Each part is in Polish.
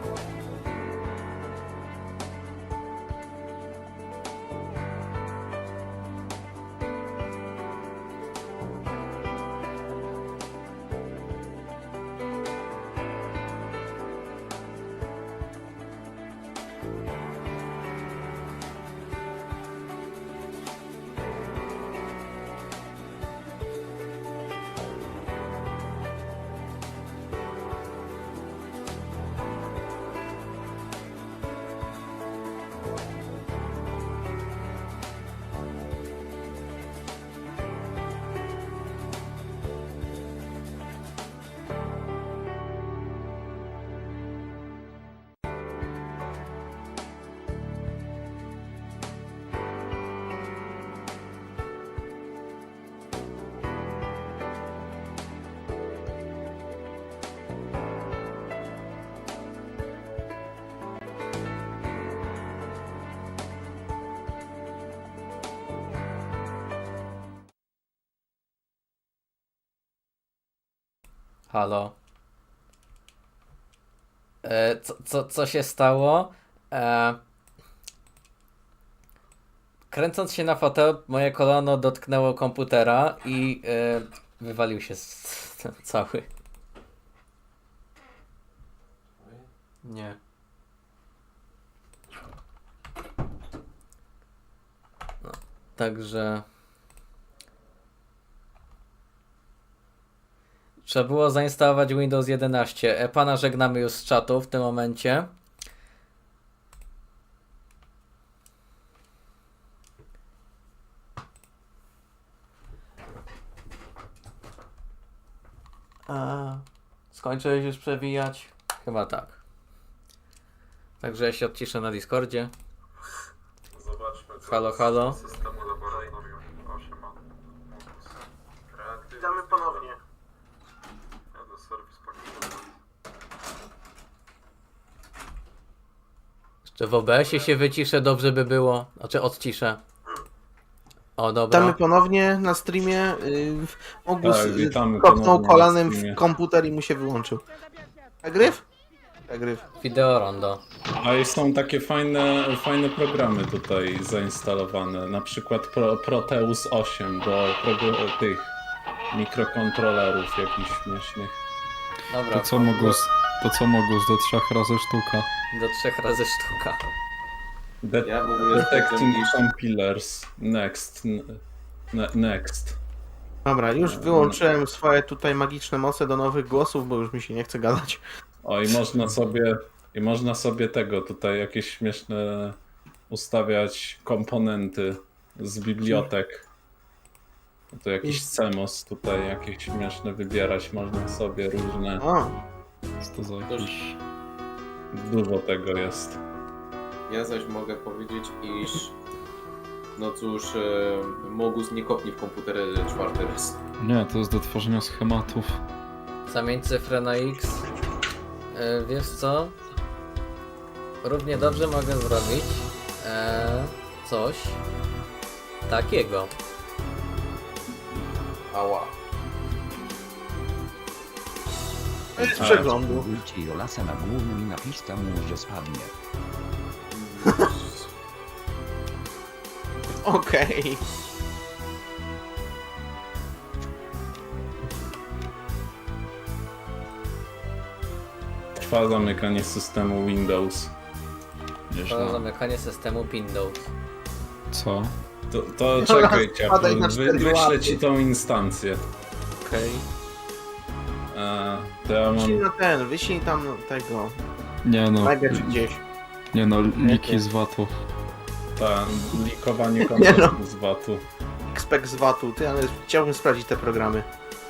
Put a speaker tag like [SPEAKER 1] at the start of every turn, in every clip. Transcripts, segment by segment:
[SPEAKER 1] Halo. Co się stało? Kręcąc się na fotel, moje kolano dotknęło komputera i wywalił się cały. Nie. No, także... Trzeba było zainstalować Windows 11. Pana żegnamy już z czatu w tym momencie. Skończyłeś już przewijać? Chyba tak. Także ja się odciszę na Discordzie.
[SPEAKER 2] Zobaczmy, co
[SPEAKER 1] Halo, halo.
[SPEAKER 2] systemu laboratorium 8 ma.
[SPEAKER 3] Witamy ponownie.
[SPEAKER 2] Ja do serwis pakietu.
[SPEAKER 1] Jeszcze w OBS-ie się wyciszę, dobrze by było. Znaczy odciszę. O, dobra.
[SPEAKER 3] Witamy ponownie na streamie. Ogus
[SPEAKER 4] Tak, witamy
[SPEAKER 3] kopnął
[SPEAKER 4] ponownie
[SPEAKER 3] kolanem
[SPEAKER 4] na streamie.
[SPEAKER 3] w komputer i mu się wyłączył. Agryw? Agryw.
[SPEAKER 1] Wideo rondo.
[SPEAKER 4] A i są takie fajne programy tutaj zainstalowane, na przykład Proteus 8 do tych mikrokontrolerów jakichś śmiesznych.
[SPEAKER 1] Dobra.
[SPEAKER 5] To co Mogus do 3 razy sztuka.
[SPEAKER 1] Do 3 razy sztuka.
[SPEAKER 6] Ja w ogóle
[SPEAKER 4] Detecting compilers. Next.
[SPEAKER 3] Dobra, już wyłączyłem swoje tutaj magiczne moce do nowych głosów, bo już mi się nie chce gadać.
[SPEAKER 4] O, i można sobie tego tutaj jakieś śmieszne ustawiać komponenty z bibliotek. To jakiś CMOS tutaj jakieś śmieszne wybierać można sobie różne.
[SPEAKER 3] O,
[SPEAKER 5] Co to za jakiś...
[SPEAKER 4] Dużo tego jest.
[SPEAKER 6] Ja zaś mogę powiedzieć, iż no cóż, Mogus nie kopnie w komputer 4 raz.
[SPEAKER 5] Nie, to jest do tworzenia schematów.
[SPEAKER 1] Zamień cyfrę na X. Wiesz co? Równie dobrze mogę zrobić coś takiego.
[SPEAKER 6] Ała.
[SPEAKER 3] z przeglądu.
[SPEAKER 7] Ujcie Jolasa na głównym i napiszcie mu, że spadnie.
[SPEAKER 3] Okej.
[SPEAKER 4] Trwa zamykanie systemu Windows.
[SPEAKER 1] To
[SPEAKER 5] Nieźle.
[SPEAKER 1] zamykanie systemu Windows.
[SPEAKER 5] Co?
[SPEAKER 4] To czekaj,
[SPEAKER 3] Spadaj na 4
[SPEAKER 4] wyślę
[SPEAKER 3] łapy.
[SPEAKER 4] ci tą instancję.
[SPEAKER 3] Okej.
[SPEAKER 4] To ja
[SPEAKER 3] Wyślij
[SPEAKER 4] mam...
[SPEAKER 3] wyślij tam tego.
[SPEAKER 5] Nie no,
[SPEAKER 3] Najpierw gdzieś.
[SPEAKER 5] nie no, liki z VAT-ów.
[SPEAKER 4] Likowanie
[SPEAKER 3] Nie
[SPEAKER 4] kontaktów z VAT-u.
[SPEAKER 3] Xpec z VAT-u. Ty, ale chciałbym sprawdzić te programy.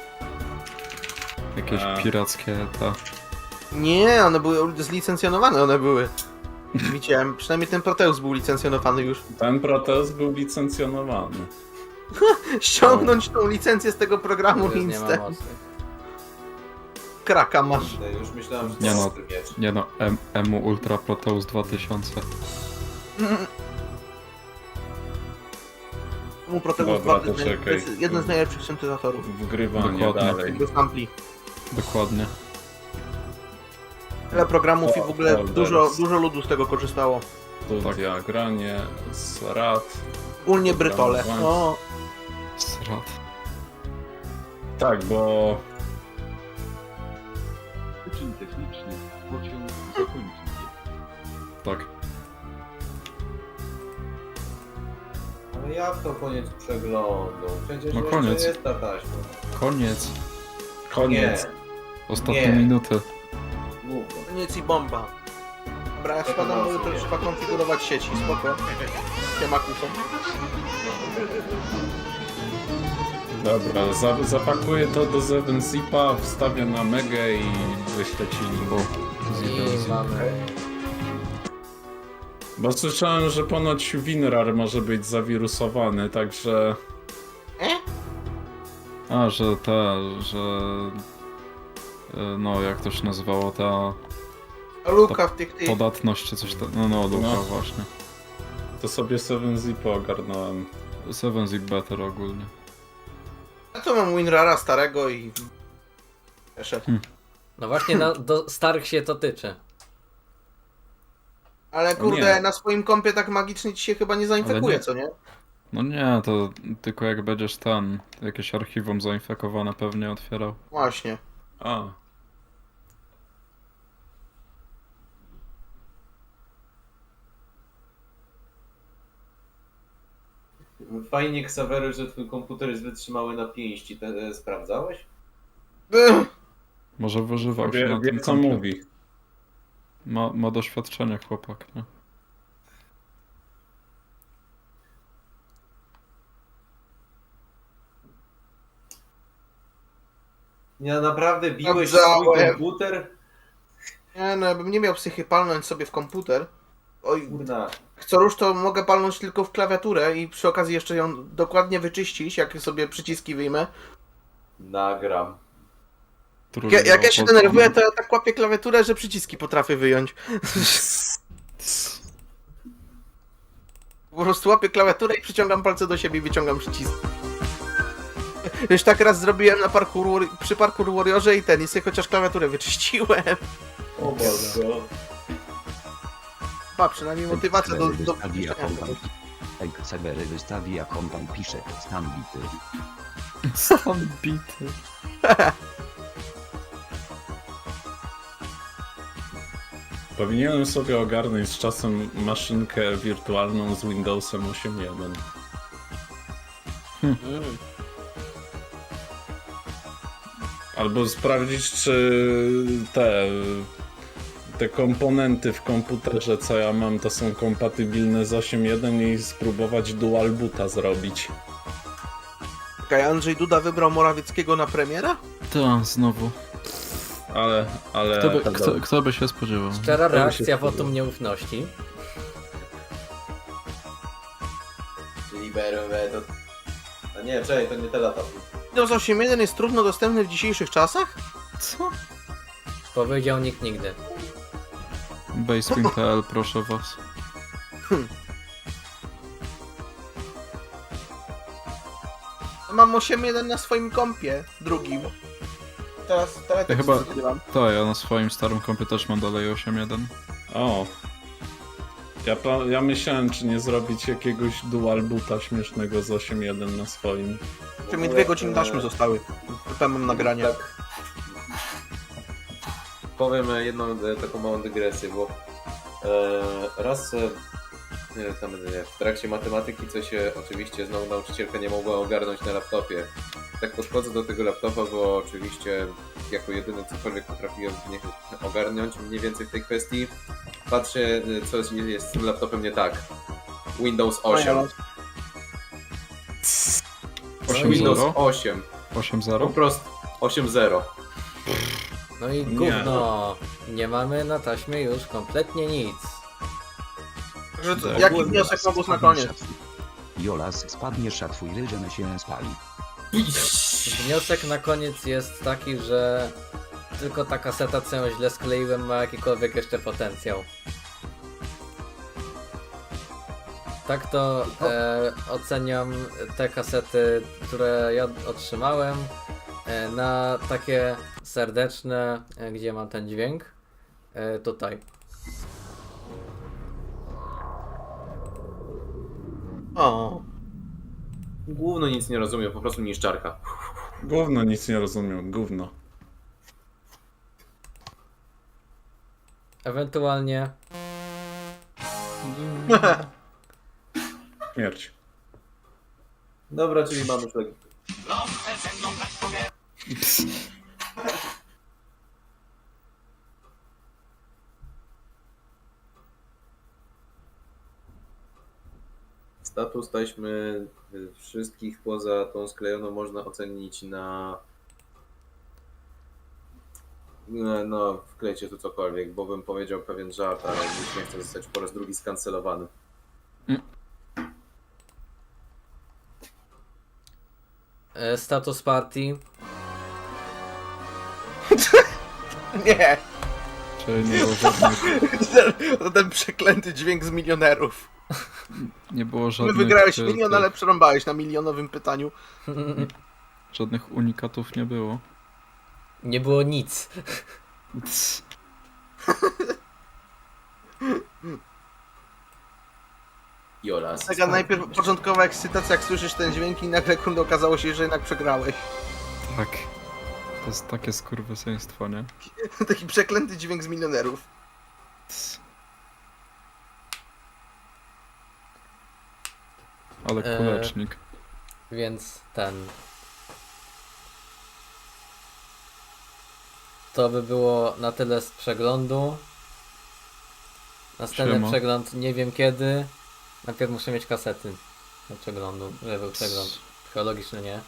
[SPEAKER 5] Jakieś
[SPEAKER 4] A.
[SPEAKER 5] pirackie ta...
[SPEAKER 3] Nie, one były zlicencjonowane, one były. Widziałem, przynajmniej ten Proteus był licencjonowany już.
[SPEAKER 4] Ten Proteus był licencjonowany.
[SPEAKER 3] Ściągnąć tą licencję z tego programu
[SPEAKER 1] Już nie ma
[SPEAKER 3] instant.
[SPEAKER 1] mocnych.
[SPEAKER 3] Kraka masz.
[SPEAKER 6] Już myślałem, że to
[SPEAKER 5] Nie no.
[SPEAKER 6] jest ten miecz.
[SPEAKER 5] Nie no, EMU Ultra Proteus 2000.
[SPEAKER 3] Mu Proteus
[SPEAKER 4] Dobra,
[SPEAKER 3] 2
[SPEAKER 4] to czekaj.
[SPEAKER 3] jest jeden z najlepszych syntezatorów.
[SPEAKER 4] Wgrywanie
[SPEAKER 5] Dokładnie.
[SPEAKER 4] dalej.
[SPEAKER 3] Tego sampli.
[SPEAKER 5] Dokładnie.
[SPEAKER 3] Tyle programów i w ogóle
[SPEAKER 4] Folders.
[SPEAKER 3] dużo ludu z tego korzystało.
[SPEAKER 4] Studia, granie, SRAT.
[SPEAKER 3] Ogólnie Brytole.
[SPEAKER 4] Program
[SPEAKER 3] O,
[SPEAKER 5] Srat.
[SPEAKER 4] Tak, bo
[SPEAKER 8] Wyczyn techniczny. Pociąg zakończył.
[SPEAKER 5] Tak.
[SPEAKER 6] Ale jak to koniec przeglądu? Przecież
[SPEAKER 5] No
[SPEAKER 6] jeszcze
[SPEAKER 5] koniec.
[SPEAKER 6] jest ta taśma.
[SPEAKER 5] Koniec.
[SPEAKER 4] koniec.
[SPEAKER 6] Nie,
[SPEAKER 5] Ostatnie
[SPEAKER 6] Nie.
[SPEAKER 5] minuty.
[SPEAKER 6] mów go.
[SPEAKER 3] koniec i bomba. Dobra, ja spadam, bo jutro trzeba konfigurować sieci, spoko. Siema Kuso.
[SPEAKER 4] Dobra, zapakuję to do 7-zipa, wstawię na Megę i wyślę ci link.
[SPEAKER 1] I mamy...
[SPEAKER 4] Bo słyszałem, że ponoć WinRAR może być zawirusowany, także...
[SPEAKER 5] A, że no jak to się nazywało, ta
[SPEAKER 3] Luka w tych
[SPEAKER 5] podatność czy coś tam. No, Luka
[SPEAKER 4] No.
[SPEAKER 5] właśnie.
[SPEAKER 4] To sobie 7-zipa ogarnąłem.
[SPEAKER 5] 7-zip better ogólnie.
[SPEAKER 3] Ja to mam WinRara starego i... Jeszcze.
[SPEAKER 1] No właśnie do starych się to tyczy.
[SPEAKER 3] Ale kurde,
[SPEAKER 4] nie.
[SPEAKER 3] na swoim kompie tak magicznie ci się chyba nie zainfekuje,
[SPEAKER 5] nie.
[SPEAKER 3] co nie?
[SPEAKER 5] No nie, to tylko jak będziesz jakieś archiwum zainfekowane pewnie otwierał.
[SPEAKER 3] Właśnie.
[SPEAKER 4] A,
[SPEAKER 6] Fajnie, Ksawery, że twój komputer jest wytrzymały na pięści. Sprawdzałeś?
[SPEAKER 5] Może wyżywał się na
[SPEAKER 4] wie
[SPEAKER 5] tym
[SPEAKER 4] co
[SPEAKER 5] kompie.
[SPEAKER 4] mówi.
[SPEAKER 5] Ma doświadczenie chłopak, nie?
[SPEAKER 6] Ja naprawdę biłeś
[SPEAKER 3] Sprawdzałem.
[SPEAKER 6] swój komputer?
[SPEAKER 3] Nie no, ja bym nie miał psychy palnąć sobie w komputer. Oj,
[SPEAKER 6] Kurna.
[SPEAKER 3] co rusz to mogę palnąć tylko w klawiaturę i przy okazji jeszcze ją dokładnie wyczyścić, jak sobie przyciski wyjmę.
[SPEAKER 6] Nagram.
[SPEAKER 3] Jak ja się denerwuję, to ja tak łapię klawiaturę, że przyciski potrafię wyjąć. Po prostu łapię klawiaturę i przyciągam palce do siebie i wyciągam przycisk. Już tak raz zrobiłem na przy Parkour Warriorze i sobie chociaż klawiaturę wyczyściłem.
[SPEAKER 6] O Boże.
[SPEAKER 3] Pa, przynajmniej motywacja do
[SPEAKER 7] wystawi jak
[SPEAKER 3] wyczyszczenia
[SPEAKER 7] on
[SPEAKER 3] tego.
[SPEAKER 7] tam. Ksawery wystawi jak on tam pisze. Stan bity.
[SPEAKER 5] Stan bity.
[SPEAKER 4] Powinienem sobie ogarnąć z czasem maszynkę wirtualną z Windowsem 8.1. Albo sprawdzić, czy te komponenty w komputerze, co ja mam, to są kompatybilne z 8.1 i spróbować dual boota zrobić.
[SPEAKER 3] Czekaj, Andrzej Duda wybrał Morawieckiego na premiera?
[SPEAKER 5] Tak, znowu.
[SPEAKER 4] Ale
[SPEAKER 5] Kto by się spodziewał?
[SPEAKER 1] Szczera
[SPEAKER 4] To mi się
[SPEAKER 1] reakcja
[SPEAKER 4] podoba.
[SPEAKER 1] wotum nieufności.
[SPEAKER 6] Czyli BRMW to... A nie, czekaj, to nie te lata.
[SPEAKER 3] Windows 8.1 jest trudno dostępny w dzisiejszych czasach?
[SPEAKER 5] Co?
[SPEAKER 1] Powiedział nikt nigdy.
[SPEAKER 5] Basewing.pl, proszę was.
[SPEAKER 3] Mam 8.1 na swoim kompie, drugim. Teraz
[SPEAKER 5] Ja chyba-
[SPEAKER 3] zgrywam.
[SPEAKER 5] Tak, ja na swoim starym kompie też mam dalej 8.1.
[SPEAKER 4] O. Ja myślałem, czy nie zrobić jakiegoś dual boota śmiesznego z 8.1 na swoim.
[SPEAKER 3] Czy mi 2 godziny taśmy zostały. Potem mam nagranie.
[SPEAKER 6] Tak. Powiem jedną taką małą dygresję, bo raz tam w trakcie matematyki coś oczywiście znowu nauczycielka nie mogła ogarnąć na laptopie. Tak podchodzę do tego laptopa, bo oczywiście jako jedyny cokolwiek potrafiłem ogarnąć mniej więcej w tej kwestii. Patrzę, co jest z tym laptopem nie tak. Windows 8.
[SPEAKER 5] 8.0?
[SPEAKER 6] Windows 8. Po
[SPEAKER 5] 8.0?
[SPEAKER 6] prostu 8.0.
[SPEAKER 1] No i
[SPEAKER 4] Nie.
[SPEAKER 1] gówno. Nie mamy na taśmie już kompletnie nic.
[SPEAKER 3] Także co,
[SPEAKER 5] Tak.
[SPEAKER 3] jaki wniosek Mogus na koniec?
[SPEAKER 7] Jolas spadniesz, a twój ryżen się spali.
[SPEAKER 1] Wniosek na koniec jest taki, że tylko ta kaseta, co ją źle skleiłem, ma jakikolwiek jeszcze potencjał. Tak to oceniam te kasety, które ja otrzymałem, na takie serdeczne, gdzie mam ten dźwięk, tutaj.
[SPEAKER 3] O.
[SPEAKER 6] Gówno nic nie rozumiem, po prostu niszczarka.
[SPEAKER 4] Gówno nic nie rozumiem, gówno.
[SPEAKER 1] Ewentualnie
[SPEAKER 4] Śmierć.
[SPEAKER 6] Dobra, czyli mamy szlak. Status taśmy wszystkich poza tą sklejoną można ocenić na... No, wklejcie tu cokolwiek, bo bym powiedział pewien żart, ale już nie chcę zostać po raz drugi skancelowany.
[SPEAKER 1] status party.
[SPEAKER 3] Nie!
[SPEAKER 5] Czyli nie było żadnych,
[SPEAKER 3] To ten przeklęty dźwięk z milionerów.
[SPEAKER 5] nie było
[SPEAKER 3] My
[SPEAKER 5] żadnych,
[SPEAKER 3] wygrałeś
[SPEAKER 5] e,
[SPEAKER 3] milion,
[SPEAKER 5] tych-
[SPEAKER 3] ale przerąbałeś na milionowym pytaniu.
[SPEAKER 5] żadnych unikatów nie było.
[SPEAKER 1] Nie było nic.
[SPEAKER 6] Jola.
[SPEAKER 3] Taka najpierw początkowa ekscytacja, jak słyszysz ten dźwięk i nagle kurde okazało się, że jednak przegrałeś.
[SPEAKER 5] Tak. To jest takie skurwysyństwo, nie?
[SPEAKER 3] Taki przeklęty dźwięk z milionerów.
[SPEAKER 5] Ale kulecznik.
[SPEAKER 1] Więc ten. To by było na tyle z przeglądu. Następny
[SPEAKER 5] Siema.
[SPEAKER 1] przegląd nie wiem kiedy. Najpierw muszę mieć kasety do przeglądu, żeby był przegląd. Psychologiczny nie.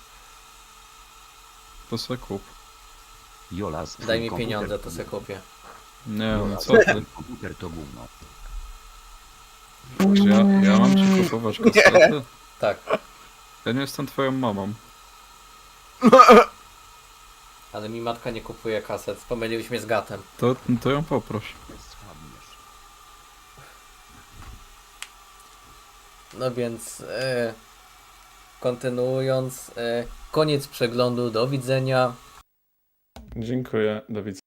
[SPEAKER 5] To se kup.
[SPEAKER 7] Jola,
[SPEAKER 1] Daj mi pieniądze, to se kupię.
[SPEAKER 5] Nie, no co ty?
[SPEAKER 7] Komputer to gówno.
[SPEAKER 5] Czy ja mam ci kupować kasety?
[SPEAKER 1] Tak,
[SPEAKER 5] Ja nie jestem twoją mamą.
[SPEAKER 1] ale mi matka nie kupuje kaset. Pomyliłeś mnie z gatem.
[SPEAKER 5] To ją poproś.
[SPEAKER 7] Słabniesz.
[SPEAKER 1] No więc kontynuując, koniec przeglądu, do widzenia.
[SPEAKER 4] Dziękuję, do widzenia.